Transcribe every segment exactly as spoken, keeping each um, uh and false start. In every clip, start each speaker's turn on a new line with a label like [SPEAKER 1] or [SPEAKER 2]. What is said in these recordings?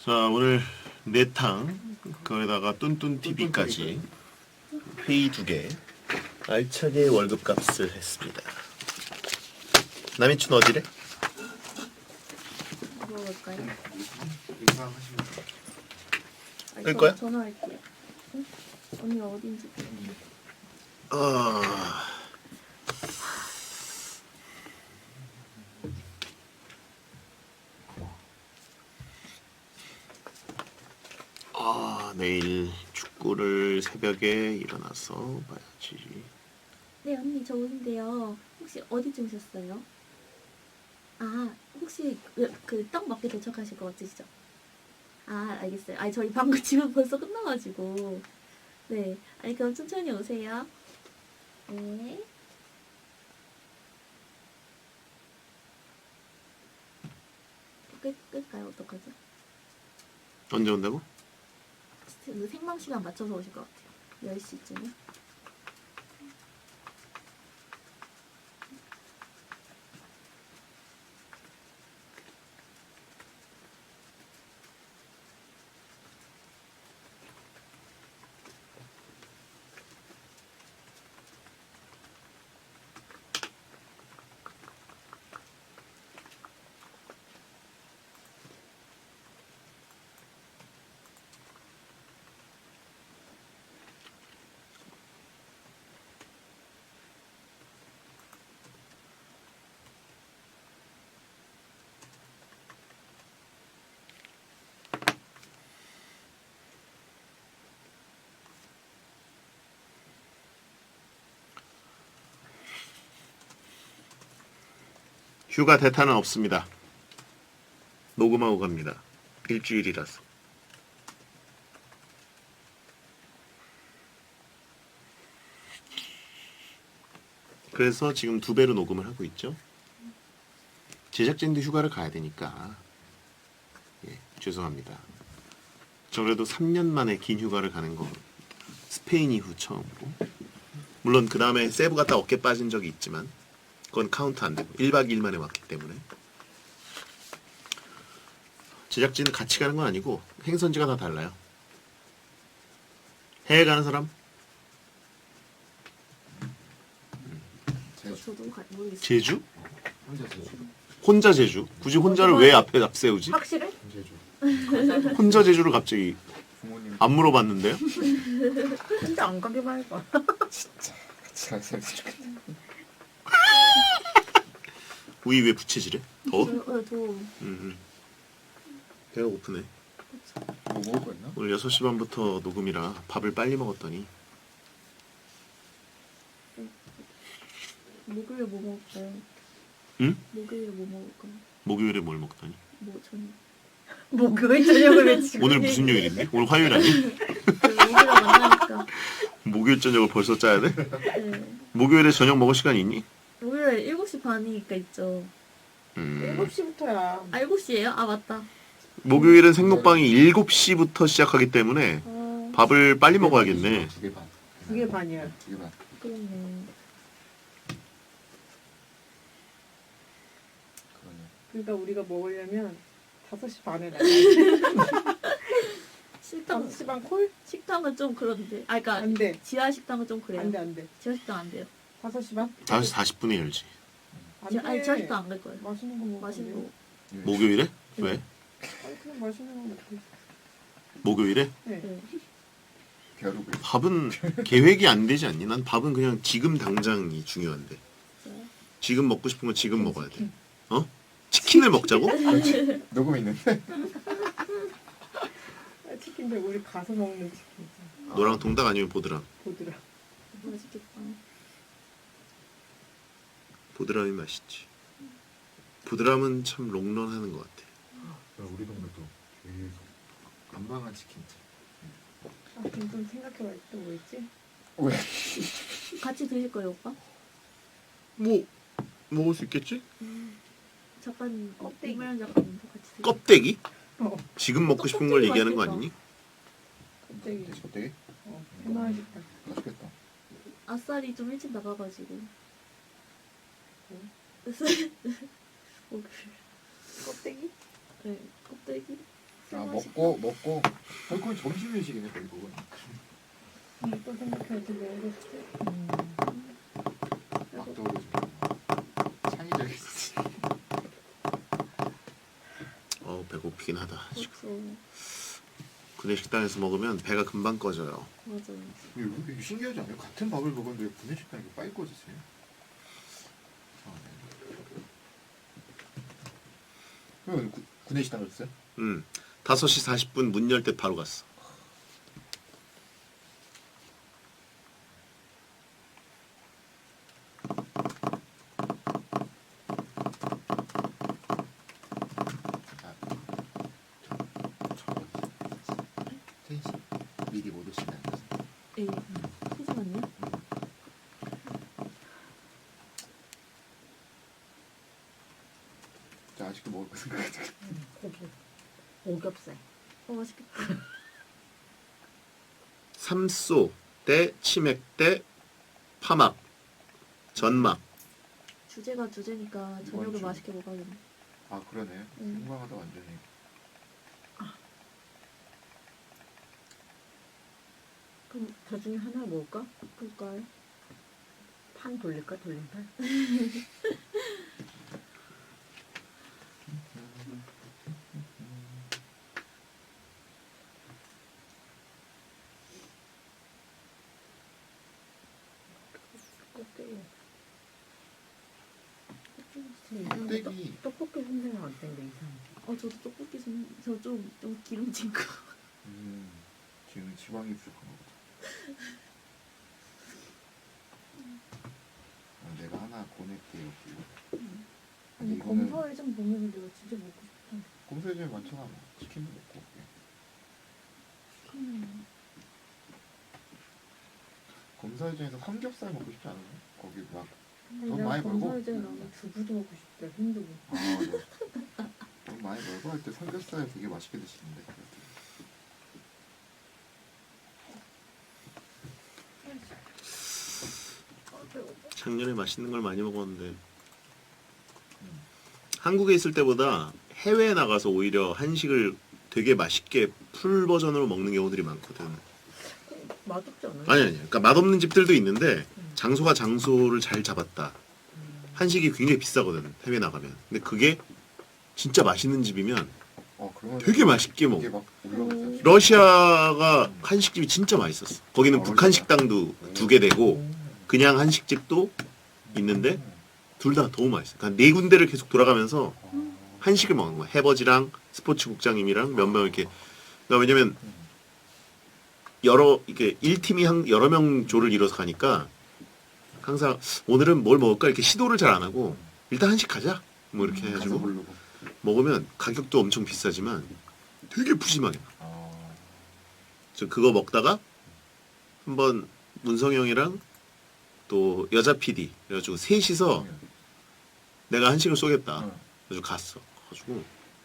[SPEAKER 1] 자, 오늘 내탕 거기다가 뚠뚠티비까지 회의 두 개 알차게 월급값을 했습니다. 남인춘 어디래?
[SPEAKER 2] 물어볼까요? 아니,
[SPEAKER 1] 끌
[SPEAKER 2] 저-
[SPEAKER 1] 거야?
[SPEAKER 2] 전화할게요. 응? 언니가 어딘지.
[SPEAKER 1] 어... 아, 내일 축구를 새벽에 일어나서 봐야지.
[SPEAKER 2] 네 언니 저 오는데요. 혹시 어디쯤 오셨어요? 아 혹시 그 떡 먹게 도착하실 것 같으시죠? 아 알겠어요. 아니 저희 방금 지금 벌써 끝나가지고. 네. 아니 그럼 천천히 오세요. 네. 끌, 끌까요? 어떡하죠?
[SPEAKER 1] 언제 온다고?
[SPEAKER 2] 그 생방 시간 맞춰서 오실 것 같아요. 열 시쯤에.
[SPEAKER 1] 휴가 대타는 없습니다. 녹음하고 갑니다. 일주일이라서. 그래서 지금 두 배로 녹음을 하고 있죠. 제작진도 휴가를 가야 되니까 예, 죄송합니다. 저 그래도 삼 년 만에 긴 휴가를 가는 거 스페인 이후 처음이고, 물론 그 다음에 세부 갔다 어깨 빠진 적이 있지만 그건 카운트 안 되고 일 박 이 일 만에 왔기 때문에. 제작진은 같이 가는 건 아니고 행선지가 다 달라요. 해외 가는 사람?
[SPEAKER 2] 저, 저도 가, 모르겠어요.
[SPEAKER 1] 제주?
[SPEAKER 3] 혼자 제주.
[SPEAKER 1] 혼자 제주? 굳이 혼자를 왜 앞에 앞세우지?
[SPEAKER 2] 확실해?
[SPEAKER 3] 제주.
[SPEAKER 1] 혼자 제주를 갑자기
[SPEAKER 3] 부모님
[SPEAKER 1] 안 물어봤는데요?
[SPEAKER 4] 혼자 안 가기만 해봐.
[SPEAKER 3] 진짜 같이 갔으면 좋겠다.
[SPEAKER 1] 우이 왜 부채질해? 더워?
[SPEAKER 2] 저, 어, 저
[SPEAKER 1] 음, 음. 배가 고프네.
[SPEAKER 3] 뭐 먹을 거 있나?
[SPEAKER 1] 오늘 여섯 시 반부터 녹음이라 밥을 빨리 먹었더니
[SPEAKER 2] 목요일에 뭐 먹을까요?
[SPEAKER 1] 응?
[SPEAKER 2] 목요일에 뭐 먹을까요?
[SPEAKER 1] 목요일에 뭘 먹더니
[SPEAKER 2] 뭐 저녁.
[SPEAKER 4] 목요일 저녁을 왜 지금?
[SPEAKER 1] 오늘 무슨 요일인데? 오늘 화요일 아니?
[SPEAKER 2] 그 목요일에 만나니까.
[SPEAKER 1] 목요일 저녁을 벌써 짜야 돼?
[SPEAKER 2] 네.
[SPEAKER 1] 목요일에 저녁 먹을 시간 있니?
[SPEAKER 2] 목요일에 일곱 시 반이니까 있죠.
[SPEAKER 1] 음.
[SPEAKER 4] 일곱 시부터야.
[SPEAKER 2] 아 일곱 시예요? 아 맞다.
[SPEAKER 1] 목요일은 생록방이 일곱 시부터 시작하기 때문에
[SPEAKER 2] 아
[SPEAKER 1] 밥을 빨리 먹어야겠네.
[SPEAKER 3] 두개 반.
[SPEAKER 4] 두 개 반이야.
[SPEAKER 3] 두 개 반.
[SPEAKER 2] 그러네.
[SPEAKER 3] 그러네.
[SPEAKER 4] 그러니까 우리가 먹으려면 다섯 시 반에 나가.
[SPEAKER 2] 식당
[SPEAKER 4] 다섯 시 반 콜?
[SPEAKER 2] 식당은 좀 그런데. 아 그러니까
[SPEAKER 4] 안 돼.
[SPEAKER 2] 지하 식당은 좀 그래요.
[SPEAKER 4] 안 돼, 안 돼.
[SPEAKER 2] 지하 식당 안 돼요.
[SPEAKER 4] 다섯 시 반?
[SPEAKER 1] 다섯 시 사십 분에 열지.
[SPEAKER 4] 안
[SPEAKER 2] 지하,
[SPEAKER 4] 돼.
[SPEAKER 2] 아니 지하 식당 안 갈 거예요.
[SPEAKER 4] 맛있는 거 먹어.
[SPEAKER 2] 맛있는 거.
[SPEAKER 1] 목요일에? 왜?
[SPEAKER 4] 아니 그냥 맛있는 거 먹고.
[SPEAKER 1] 목요일에?
[SPEAKER 4] 네.
[SPEAKER 2] 네.
[SPEAKER 3] 벼룩을.
[SPEAKER 1] 밥은 계획이 안 되지 않니? 난 밥은 그냥 지금 당장이 중요한데.
[SPEAKER 2] 진짜요?
[SPEAKER 1] 지금 먹고 싶은 건 지금 먹어야 돼. 어? 치킨을 먹자고?
[SPEAKER 3] 녹음 있는데?
[SPEAKER 4] 아, 치킨인데 우리 가서 먹는 치킨.
[SPEAKER 1] 너랑 동닭 아니면 보드람?
[SPEAKER 4] 보드라.
[SPEAKER 2] 맛있겠다.
[SPEAKER 1] 보드람이 맛있지. 보드람은 참 롱런하는 것 같아.
[SPEAKER 3] 우리 동네도 계속 안방한 치킨집.
[SPEAKER 4] 아, 그럼 좀 생각해봐. 또 뭐 있지?
[SPEAKER 3] 왜?
[SPEAKER 2] 같이 드실 거예요 오빠?
[SPEAKER 1] 뭐 먹을 수 있겠지?
[SPEAKER 2] 작가님, 어,
[SPEAKER 4] 껍데기.
[SPEAKER 2] 이말년 작가님도 같이 드세요.
[SPEAKER 1] 껍데기?
[SPEAKER 4] 어.
[SPEAKER 1] 지금 먹고 싶은 걸
[SPEAKER 2] 껍데기
[SPEAKER 1] 얘기하는 거
[SPEAKER 2] 맛있겠다.
[SPEAKER 1] 아니니?
[SPEAKER 4] 껍데기.
[SPEAKER 3] 돼지 껍데기?
[SPEAKER 4] 어. 해놔야겠다.
[SPEAKER 3] 맛있겠다.
[SPEAKER 2] 아싸리 좀 일찍 나가가지고. 목요일.
[SPEAKER 4] 껍데기?
[SPEAKER 2] 네, 껍데기.
[SPEAKER 3] 아 먹고 먹고 결국은 점심 회식이네 결국은.
[SPEAKER 4] 음, 또 생각해야 돼. 왜 그랬지?
[SPEAKER 3] 막 떠오르지. 창의적이지.
[SPEAKER 1] 어 배고프긴 하다. 지금.
[SPEAKER 2] 그렇죠.
[SPEAKER 1] 구내 식당에서 먹으면 배가 금방 꺼져요.
[SPEAKER 2] 맞아요.
[SPEAKER 3] 이게 신기하지 않아요? 같은 밥을 먹었는데 왜 구내식당이 빨리 꺼지지? 왜 구내식당 갔어요?
[SPEAKER 1] 음 다섯 시 사십 분 문 열 때 바로 갔어.
[SPEAKER 3] 텐시 미리 못 오신다는 거지.
[SPEAKER 2] 예. 잠시만요.
[SPEAKER 3] 자 아직도 먹을 거 생각하지.
[SPEAKER 5] 고기, 오겹살.
[SPEAKER 2] 어 맛있겠다.
[SPEAKER 1] 삼소 대 치맥 대 파막 전막.
[SPEAKER 2] 주제가 주제니까 저녁을
[SPEAKER 3] 뭔 주?
[SPEAKER 2] 맛있게 먹어야겠네.
[SPEAKER 3] 아 그러네.
[SPEAKER 2] 음.
[SPEAKER 3] 생방하다 완전히.
[SPEAKER 5] 그럼 저 중에 하나 먹을까?
[SPEAKER 2] 그럴까요?
[SPEAKER 5] 판 돌릴까? 돌림판? 껍데기.
[SPEAKER 3] 껍데기.
[SPEAKER 5] 떡볶이 생생은 어떤데 이상?
[SPEAKER 2] 어 저도 떡볶이 좀 저 좀 좀 기름진 거.
[SPEAKER 3] 음 지금 지방이 부족한 거보다. 아, 내가 하나 보낼게요. 근데
[SPEAKER 4] 아니
[SPEAKER 3] 이거는
[SPEAKER 4] 검사회장 보면 내가 진짜 먹고 싶다.
[SPEAKER 3] 검사제에 많잖아. 뭐. 치킨도 먹고.
[SPEAKER 2] 음.
[SPEAKER 3] 검사제에서 삼겹살 먹고 싶지 않아요? 거기 막
[SPEAKER 4] 근데
[SPEAKER 3] 돈
[SPEAKER 4] 내가
[SPEAKER 3] 많이 벌고?
[SPEAKER 4] 검사회장에 나면 두부도 먹고 싶다. 흰두부.
[SPEAKER 3] 아, 네. 돈 많이 벌고 할 때 삼겹살 되게 맛있게 드시는데.
[SPEAKER 1] 작년에 맛있는 걸 많이 먹었는데 한국에 있을 때보다 해외에 나가서 오히려 한식을 되게 맛있게 풀 버전으로 먹는 경우들이 많거든.
[SPEAKER 5] 맛없지 않아요?
[SPEAKER 1] 아니 아니. 그러니까 맛없는 집들도 있는데 장소가 장소를 잘 잡았다. 한식이 굉장히 비싸거든. 해외 나가면. 근데 그게 진짜 맛있는 집이면
[SPEAKER 3] 어, 그러면
[SPEAKER 1] 되게 맛있게 먹어.
[SPEAKER 3] 이게 막 올라오죠.
[SPEAKER 1] 러시아가 한식집이 진짜 맛있었어. 거기는
[SPEAKER 3] 아,
[SPEAKER 1] 북한
[SPEAKER 3] 러시아?
[SPEAKER 1] 식당도 두 개 되고 그냥 한식집도 있는데 둘 다 너무 맛있어. 그러니까 네 군데를 계속 돌아가면서 한식을 먹는 거야. 해버지랑 스포츠 국장님이랑 몇 명 이렇게. 그러니까 왜냐면 여러 이게 일 팀이 한 여러 명 조를 이뤄서 가니까 항상 오늘은 뭘 먹을까 이렇게 시도를 잘 안 하고 일단 한식 가자. 뭐 이렇게
[SPEAKER 3] 가서
[SPEAKER 1] 해가지고
[SPEAKER 3] 부르고.
[SPEAKER 1] 먹으면 가격도 엄청 비싸지만 되게 푸짐하게 나와.
[SPEAKER 3] 아,
[SPEAKER 1] 저 그거 먹다가 한번 문성이 형이랑 또 여자 피디 그래가지고 셋이서 내가 한식을 쏘겠다.
[SPEAKER 3] 응.
[SPEAKER 1] 그래서 갔어. 가지고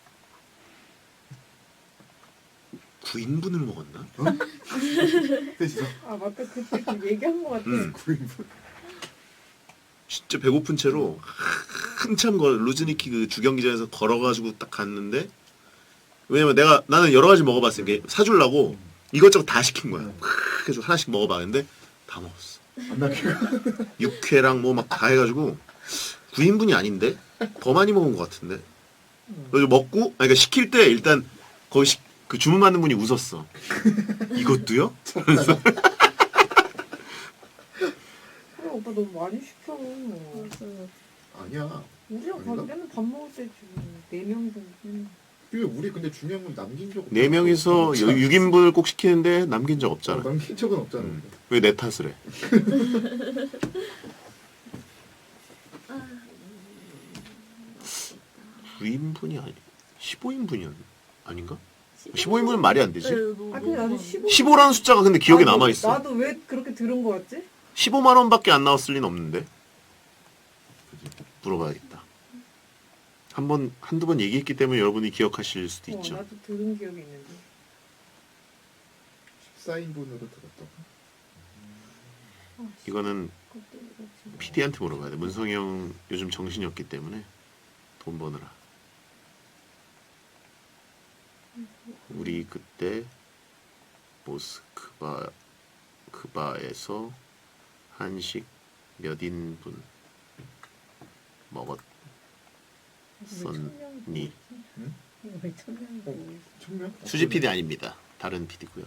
[SPEAKER 1] 구 인분을 먹었나?
[SPEAKER 3] 셋이서
[SPEAKER 4] 아 맞다 그때 그 얘기한 거 같아.
[SPEAKER 1] 음.
[SPEAKER 3] 구 인분.
[SPEAKER 1] 진짜 배고픈 채로 한참 걸 루즈니키 그 주경기장에서 걸어가지고 딱 갔는데 왜냐면 내가 나는 여러 가지 먹어봤어. 이게 사주려고 이것저것 다 시킨 거야. 그래서 하나씩 먹어봤는데 다 먹었어.
[SPEAKER 3] 안 남기고.
[SPEAKER 1] 육회랑 뭐 막 다 해가지고 구 인분이 아닌데 더 많이 먹은 것 같은데. 그래서 먹고 아니 그러니까 시킬 때 일단 거기 시, 그 주문 받는 분이 웃었어. 이것도요? 그래서
[SPEAKER 4] 그래 오빠 너무 많이 시켜.
[SPEAKER 2] 맞아요.
[SPEAKER 3] 아니야.
[SPEAKER 4] 우리랑
[SPEAKER 3] 아닌가?
[SPEAKER 4] 갈 때는 밥 먹을 때 지금 네 명이서 먹는.
[SPEAKER 3] 이게 우리 근데 중요한 건 남긴 적 없어.
[SPEAKER 1] 네 명이서 육 인분을 꼭 시키는데 남긴 적
[SPEAKER 3] 어,
[SPEAKER 1] 없잖아.
[SPEAKER 3] 남긴 적은 없잖아.
[SPEAKER 1] 음. 왜 내 탓을 해? 구 인분이 아니 십오 인분이 아닌가? 십오 인분은 말이 안 되지.
[SPEAKER 2] 네, 너무-
[SPEAKER 4] 아 근데 나는
[SPEAKER 2] 너무
[SPEAKER 4] 십오.
[SPEAKER 1] 십오라는 숫자가 근데 기억에
[SPEAKER 4] 나도-
[SPEAKER 1] 남아 있어.
[SPEAKER 4] 나도 왜 그렇게 들은 거 같지?
[SPEAKER 1] 십오만 원밖에 안 나왔을 리는 없는데. 물어봐야겠다. 한 번, 한두 번 얘기했기 때문에 여러분이 기억하실 수도
[SPEAKER 4] 어,
[SPEAKER 1] 있죠.
[SPEAKER 4] 나도 들은 기억이 있는데.
[SPEAKER 3] 십사 인분으로 들었다고.
[SPEAKER 4] 아,
[SPEAKER 1] 이거는
[SPEAKER 4] 껍데기가 진짜.
[SPEAKER 1] 피디한테 물어봐야 돼. 문성이 형 요즘 정신이 없기 때문에 돈 버느라. 우리 그때 모스크바 크바에서 한식 몇 인분 먹었 썬니.
[SPEAKER 5] 이거 왜 천명이
[SPEAKER 3] 어, 천명?
[SPEAKER 1] 수지 피디 아닙니다. 다른 피디고요.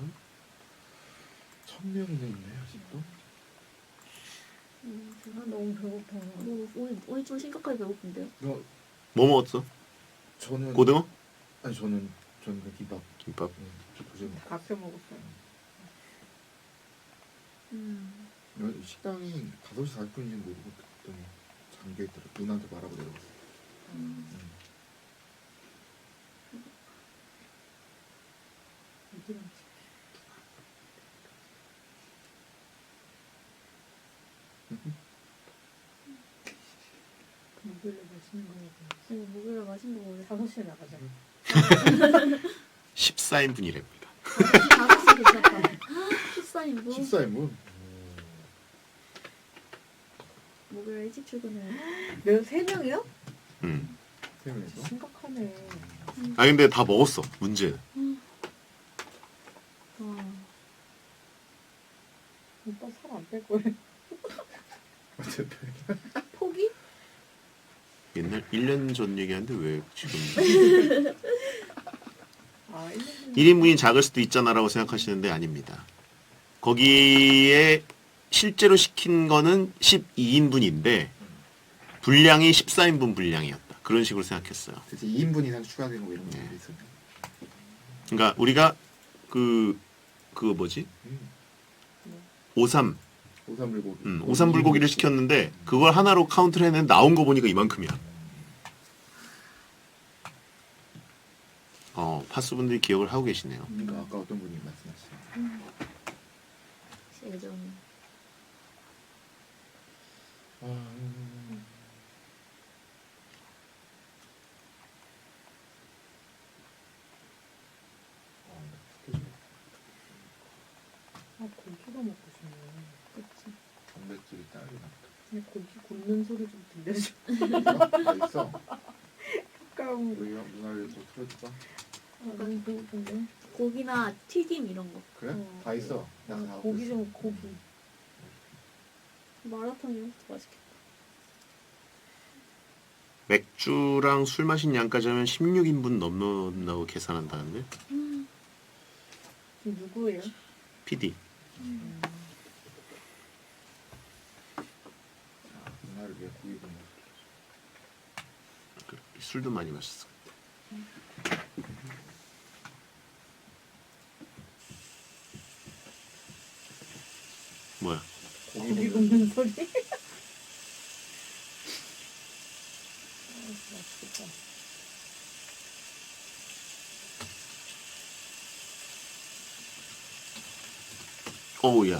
[SPEAKER 3] 천명이 있네 아직도.
[SPEAKER 2] 음,
[SPEAKER 5] 아 너무 배고파.
[SPEAKER 2] 뭐, 오늘, 오늘 좀 심각하게 배고픈데요?
[SPEAKER 3] 너
[SPEAKER 1] 뭐 먹었어?
[SPEAKER 3] 저는
[SPEAKER 1] 고등어?
[SPEAKER 3] 아니 저는 저는 그 김밥.
[SPEAKER 1] 김밥.
[SPEAKER 3] 응, 저 도저히 먹.
[SPEAKER 4] 밥해 먹었어요.
[SPEAKER 2] 음.
[SPEAKER 3] 여기 식당이 다섯 시 사십 분인지 모르고 그랬더니 잠겨 있더라. 누나한테 말하고 내려갔어.
[SPEAKER 2] 음.
[SPEAKER 3] 응.
[SPEAKER 5] 어디로 목요일에 맛있는 거 먹어.
[SPEAKER 2] 네, 목요일에 맛있는 거 먹어요.
[SPEAKER 4] 다섯 시에 나가자.
[SPEAKER 1] 십사 인분이랍니다.
[SPEAKER 2] 다섯 시 괜찮다. 십사 인분?
[SPEAKER 3] 십사 인분.
[SPEAKER 2] 목요일 일찍 출근해요.
[SPEAKER 4] 몇세 명이요?
[SPEAKER 1] 음.
[SPEAKER 3] 세 명이서.
[SPEAKER 4] 심각하네.
[SPEAKER 1] 아 근데 다 먹었어. 문제.
[SPEAKER 2] 와.
[SPEAKER 4] 오빠 살 안 뺄 거예요.
[SPEAKER 3] 어쨌든
[SPEAKER 2] 포기?
[SPEAKER 1] 옛날 일 년 전 얘기하는데 왜 지금
[SPEAKER 4] 아, 일 년
[SPEAKER 1] 일 인분이 작을 수도 있잖아라고 생각하시는데 아닙니다. 거기에 실제로 시킨 거는 십이 인분인데 분량이 십사 인분 분량이었다. 그런 식으로 생각했어요.
[SPEAKER 3] 대체 이 인분 이상 추가되는 거 이런 거
[SPEAKER 1] 네.
[SPEAKER 3] 있었네.
[SPEAKER 1] 그러니까 우리가 그 그거 뭐지?
[SPEAKER 3] 음.
[SPEAKER 1] 오삼
[SPEAKER 3] 오삼불고기.
[SPEAKER 1] 음, 오삼 불고기를 시켰는데 그걸 하나로 카운트를 했는데 나온 거 보니까 이만큼이야. 어, 파수분들이 기억을 하고 계시네요.
[SPEAKER 3] 그러니까 아까 어떤 분이 말씀하신.
[SPEAKER 2] 예전.
[SPEAKER 3] 아, 음. 아, 스케줄.
[SPEAKER 4] 아, 고기가 먹고 싶네.
[SPEAKER 2] 그치.
[SPEAKER 3] 단백질이 딸이나.
[SPEAKER 4] 근데 고기 굽는 소리 좀 들려줘.
[SPEAKER 3] 다 있어.
[SPEAKER 4] 가까운
[SPEAKER 3] 우리 누나를 또 틀어줄까?
[SPEAKER 4] 아, 너무 배고픈데.
[SPEAKER 2] 고기나 튀김 이런 거.
[SPEAKER 3] 그래?
[SPEAKER 4] 어.
[SPEAKER 3] 다 있어. 내가 다
[SPEAKER 4] 아,
[SPEAKER 3] 갖고
[SPEAKER 4] 고기
[SPEAKER 3] 있어.
[SPEAKER 4] 좀 고기.
[SPEAKER 2] 마라탕 이런 것도 맛있겠다.
[SPEAKER 1] 맥주랑 술 마신 양까지 하면 십육 인분 넘는다고 계산한다는데?
[SPEAKER 2] 음.
[SPEAKER 4] 누구예요?
[SPEAKER 1] 피디.
[SPEAKER 3] 자, 누나를 위해 고기 좀 먹어.
[SPEAKER 1] 술도 많이 마셨어. 뭐야?
[SPEAKER 3] 고기
[SPEAKER 4] 고기
[SPEAKER 3] 굽는
[SPEAKER 4] 굽는 소리? 아, 맛있겠다.
[SPEAKER 1] 어우야.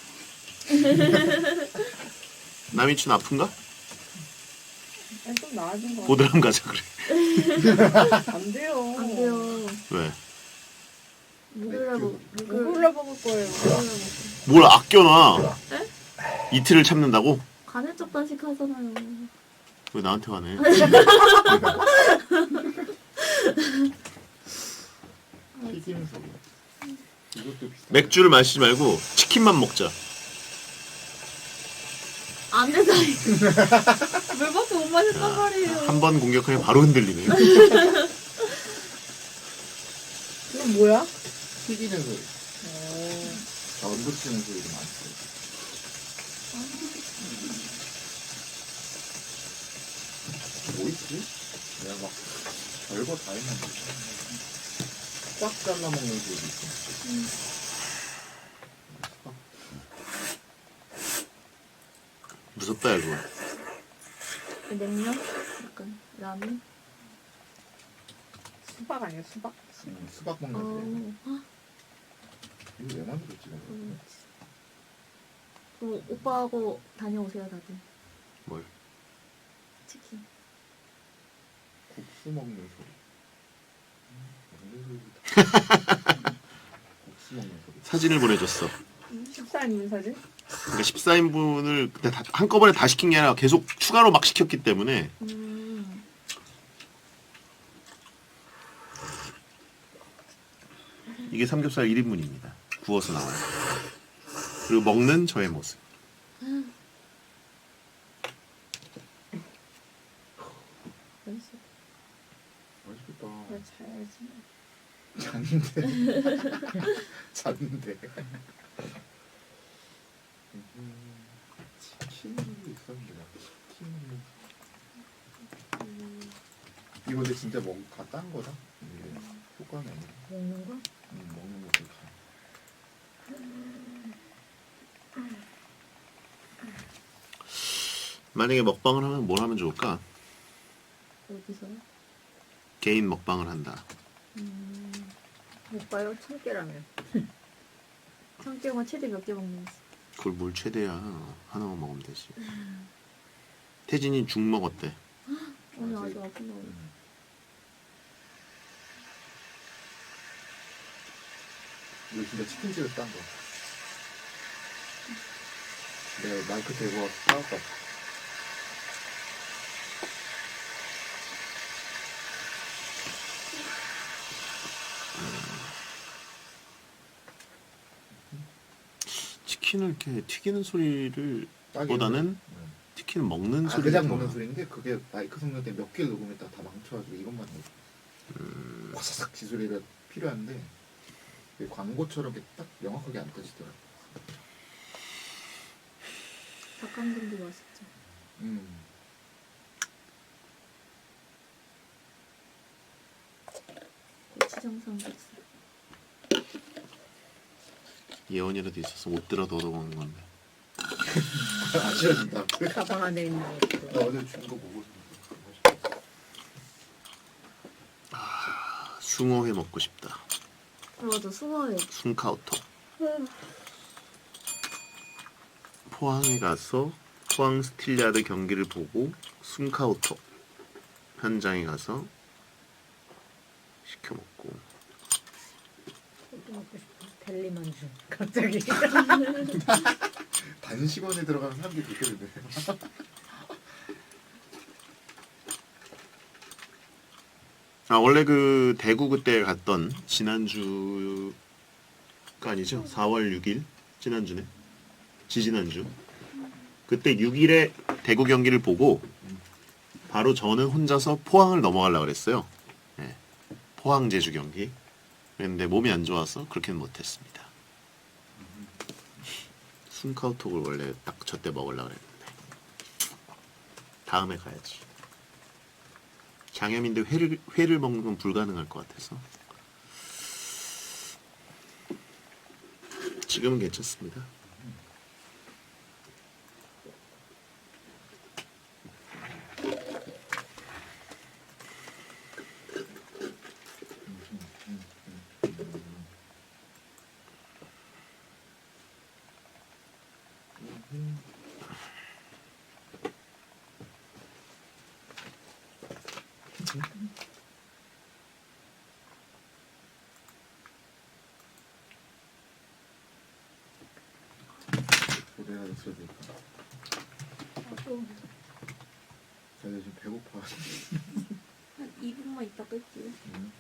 [SPEAKER 1] 남이춘 아픈가?
[SPEAKER 4] 아니, 좀 나아진 거
[SPEAKER 1] 보드람 가자 그래.
[SPEAKER 4] 같아. 안 돼요.
[SPEAKER 2] 안 돼요.
[SPEAKER 1] 왜?
[SPEAKER 2] 목요일에 먹, 목요일
[SPEAKER 4] 목요일에 먹을 거예요.
[SPEAKER 2] 목요일에 먹.
[SPEAKER 1] 뭘 아껴놔?
[SPEAKER 2] 에?
[SPEAKER 1] 이틀을 참는다고?
[SPEAKER 2] 간헐적 단식 하잖아요.
[SPEAKER 1] 왜 나한테 화내?
[SPEAKER 3] 튀김 소리. 이것도 비슷한.
[SPEAKER 1] 맥주를 마시지 말고 치킨만 먹자.
[SPEAKER 2] 안 된다. 물밖에 못 마셨단 말이에요.
[SPEAKER 1] 한 번 공격하면 바로 흔들리네.
[SPEAKER 4] 이건 뭐야?
[SPEAKER 3] 튀기는 소리.
[SPEAKER 4] 어.
[SPEAKER 3] 자, 언더 치는 소리도 많고. 뭐 있지? 내가 막 별거 다 했는데. 꽉 잘라 먹는 소리도 있고.
[SPEAKER 1] 무섭다 이거.
[SPEAKER 2] 냉면? 약간 라면?
[SPEAKER 4] 수박 아니야, 수박?
[SPEAKER 3] 음, 수박 먹는
[SPEAKER 2] 어.
[SPEAKER 3] 소리.
[SPEAKER 2] 헉,
[SPEAKER 3] 이거 왜 만들었지? 내가?
[SPEAKER 2] 음. 그럼 오빠하고 다녀오세요 다들.
[SPEAKER 1] 뭘?
[SPEAKER 2] 치킨.
[SPEAKER 3] 국수 먹는 소리. 음, 먹는 소리다. 국수 먹는 소리.
[SPEAKER 1] 사진을 보내줬어.
[SPEAKER 4] 십사 인분 사진?
[SPEAKER 1] 그러니까 십사 인분을 근데 다, 한꺼번에 다 시킨 게 아니라 계속 추가로 막 시켰기 때문에
[SPEAKER 2] 음.
[SPEAKER 1] 이게 삼겹살 일 인분입니다. 구워서 나와요. 그리고 먹는 저의 모습.
[SPEAKER 2] 맛있어.
[SPEAKER 3] 맛있겠다.
[SPEAKER 5] 나 자야지.
[SPEAKER 3] 잤는데. 잤는데. 음, 치킨이 있었는데 나 치킨. 이거 근데 진짜 뭐다딴 거다. 이게 효과는 아니야.
[SPEAKER 5] 먹는 거?
[SPEAKER 3] 음, 먹는 것도 다.
[SPEAKER 1] 만약에 먹방을 하면 뭘 하면 좋을까?
[SPEAKER 2] 어디서?
[SPEAKER 1] 개인 먹방을 한다.
[SPEAKER 2] 음,
[SPEAKER 4] 못 봐요? 참깨라면.
[SPEAKER 2] 성격은 최대 몇 개 먹는지.
[SPEAKER 1] 그걸 뭘 최대야. 하나만 먹으면 되지. 태진이 죽 먹었대.
[SPEAKER 2] 오늘
[SPEAKER 3] 아직-
[SPEAKER 2] 아주 아픈 거.
[SPEAKER 3] 음. 이거 진짜 치킨집에서 딴 거. 내가 마이크 대고 사왔다.
[SPEAKER 1] 치킨을 이렇게 튀기는 소리를
[SPEAKER 3] 딱이네.
[SPEAKER 1] 보다는
[SPEAKER 3] 음.
[SPEAKER 1] 치킨을 먹는
[SPEAKER 3] 아,
[SPEAKER 1] 소리를
[SPEAKER 3] 그냥
[SPEAKER 1] 좋아.
[SPEAKER 3] 먹는 소리인데 그게 마이크 성능 때문에 몇 개를 녹음했다가 다 망쳐가지고 이것만 음... 와사삭 지소리가 필요한데 이게 광고처럼 이렇게 딱 명확하게 안 꺼지더라고.
[SPEAKER 2] 닭강정도 맛있죠.
[SPEAKER 3] 음.
[SPEAKER 2] 고추장 삼겹살.
[SPEAKER 1] 예원이라도 있어서 못 들어 넣어 먹는 건데.
[SPEAKER 3] 아쉬워진다.
[SPEAKER 5] 가방 안에 있는
[SPEAKER 3] 나
[SPEAKER 5] 것도.
[SPEAKER 3] 어제 준 거 보고서
[SPEAKER 1] 아, 숭어회 먹고 싶다.
[SPEAKER 2] 맞아, 수고해.
[SPEAKER 1] 숭카우터. 포항에 가서 포항 스틸야드 경기를 보고 숭카우터 현장에 가서 시켜 먹고.
[SPEAKER 5] 또 먹고 싶어. 델리만주. 갑자기.
[SPEAKER 3] 단식원에 들어가면 사람들이 그렇게 되네.
[SPEAKER 1] 아 원래 그 대구 그때 갔던 지난주가 아니죠? 사월 육일 지난주네. 지지난주. 그때 육 일에 대구 경기를 보고 바로 저는 혼자서 포항을 넘어가려고 그랬어요. 예. 포항 제주 경기. 그런데 몸이 안 좋아서 그렇게는 못했습니다. 순카우톡을 원래 딱 저 때 먹으려고 그랬는데 다음에 가야지. 장염인데 회를 회를 먹는 건 불가능할 것 같아서 지금은 괜찮습니다.
[SPEAKER 3] 노래가 있어야 될까?
[SPEAKER 2] 나도
[SPEAKER 3] 저 지금 배고파.
[SPEAKER 2] 한 이 분만 있다 끌게요.
[SPEAKER 3] 음.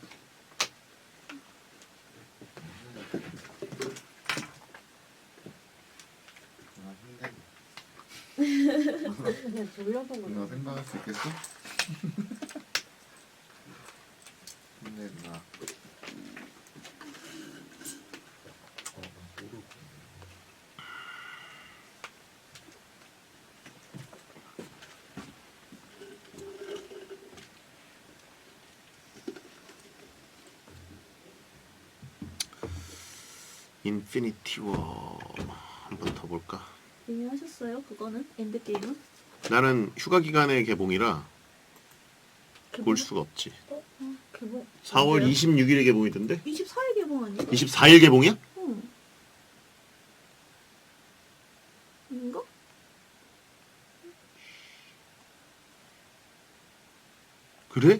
[SPEAKER 3] 아, 힘들다.
[SPEAKER 4] 그냥 졸려서
[SPEAKER 3] 누나
[SPEAKER 4] 그래.
[SPEAKER 3] 생각할 수 있겠어? 힘내 누나. 어, 나 모르고.
[SPEAKER 1] 인피니티 워 한번 더 볼까?
[SPEAKER 2] 이미 하셨어요? 그거는? 엔드게임은?
[SPEAKER 1] 나는 휴가 기간의 개봉이라 볼 수가 없지.
[SPEAKER 2] 어?
[SPEAKER 4] 개봉.
[SPEAKER 1] 사월
[SPEAKER 4] 언제요?
[SPEAKER 1] 이십육일에 개봉이던데?
[SPEAKER 2] 이십사 일 개봉 아니야?
[SPEAKER 1] 이십사일 개봉이야?
[SPEAKER 2] 응. 인가?
[SPEAKER 1] 그래?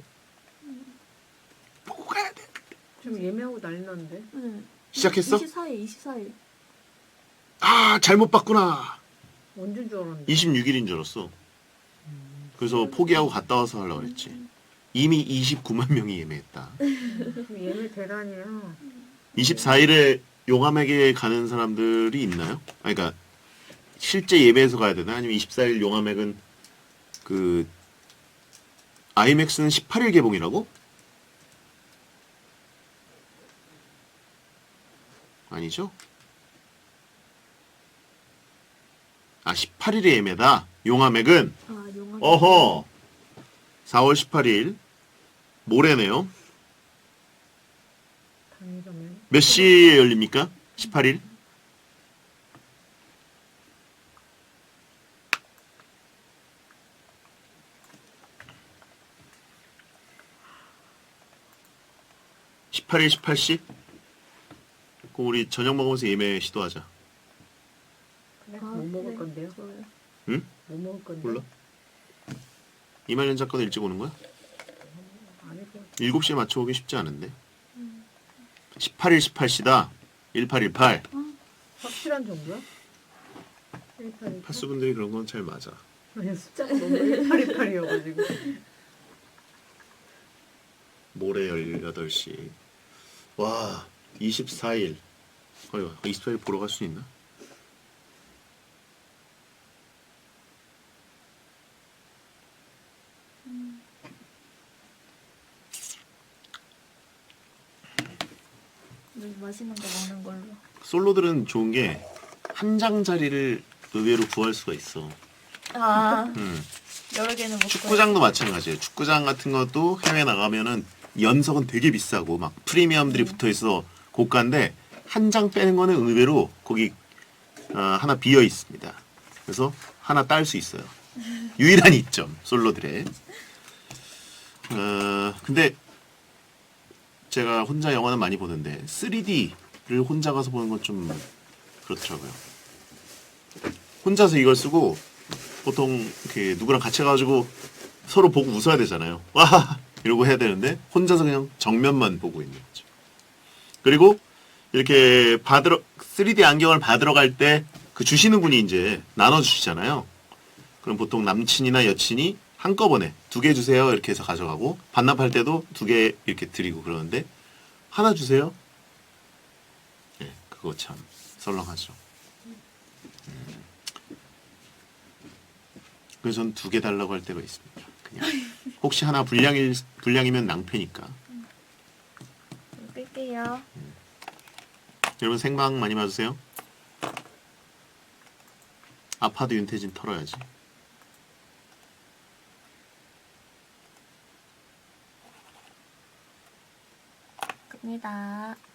[SPEAKER 1] 보고 가야 돼.
[SPEAKER 4] 지금 예매하고 난리 났는데.
[SPEAKER 2] 응.
[SPEAKER 1] 시작했어?
[SPEAKER 2] 이십사 일, 이십사 일.
[SPEAKER 1] 아 잘못 봤구나.
[SPEAKER 4] 언제인 줄 알았는데.
[SPEAKER 1] 이십육일인 줄 알았어. 그래서 포기하고 갔다 와서 하려고 그랬지. 이미 이십구만 명이 예매했다.
[SPEAKER 4] 지금 예매 대란이야.
[SPEAKER 1] 이십사 일에 용암액에 가는 사람들이 있나요? 아, 그러니까 실제 예배에서 가야 되나? 아니면 이십사 일 용암액은 그 아이맥스는 십팔 일 개봉이라고? 아니죠? 아, 십팔 일에 예매다. 용암액은
[SPEAKER 2] 아, 영화.
[SPEAKER 1] 어허. 사월 십팔 일 모레네요.
[SPEAKER 5] 당일이면
[SPEAKER 1] 몇 시에 열립니까? 십팔 일? 십팔 일 십팔 시? 그럼 우리 저녁 먹으면서 예매 시도하자.
[SPEAKER 5] 그래?
[SPEAKER 2] 아,
[SPEAKER 5] 뭐 먹을
[SPEAKER 2] 네.
[SPEAKER 5] 건데요?
[SPEAKER 2] 좋아요.
[SPEAKER 1] 응?
[SPEAKER 5] 뭐 먹을 건데?
[SPEAKER 1] 몰라? 이말년 작가도 일찍 오는 거야?
[SPEAKER 5] 아닐 것 같아.
[SPEAKER 1] 일곱 시에 맞춰 오기 쉽지 않은데. 십팔 일 십팔 시다. 일팔일팔.
[SPEAKER 5] 확실한 정도야? 일팔일팔?
[SPEAKER 1] 파수분들이 그런 건 잘 맞아.
[SPEAKER 5] 아니 숫자가 너무 일팔일팔이어가지고.
[SPEAKER 1] 모레 열여덟 시. 와, 이십사 일. 어휴, 이십사 일 보러 갈 수 있나?
[SPEAKER 2] 물 맛있는 거 먹는 걸로.
[SPEAKER 1] 솔로들은 좋은 게 한 장 자리를 의외로 구할 수가 있어.
[SPEAKER 2] 아,
[SPEAKER 1] 음.
[SPEAKER 2] 여러 개는 못
[SPEAKER 1] 축구장도 마찬가지예요. 축구장 같은 것도 해외 나가면은 연석은 되게 비싸고 막 프리미엄들이 붙어 있어 고가인데 한 장 빼는 거는 의외로 거기 어, 하나 비어 있습니다. 그래서 하나 딸 수 있어요. 유일한 이점 솔로들의. 어, 근데 제가 혼자 영화는 많이 보는데 쓰리디를 혼자 가서 보는 건 좀 그렇더라고요. 혼자서 이걸 쓰고 보통 이렇게 누구랑 같이 가가지고 서로 보고 웃어야 되잖아요. 와 이러고 해야 되는데 혼자서 그냥 정면만 보고 있는 거죠. 그리고 이렇게 받으러 쓰리디 안경을 받으러 갈 때 그 주시는 분이 이제 나눠 주시잖아요. 그럼 보통 남친이나 여친이 한꺼번에 두 개 주세요 이렇게 해서 가져가고 반납할 때도 두 개 이렇게 드리고 그러는데 하나 주세요. 네, 그거 참 썰렁하죠. 음. 그래서 전 두 개 달라고 할 때가 있습니다. 그냥 혹시 하나 불량일 불량이면 낭패니까.
[SPEAKER 2] 끌게요.
[SPEAKER 1] 여러분 생방 많이 봐주세요. 아파도 윤태진 털어야지.
[SPEAKER 2] 끕니다.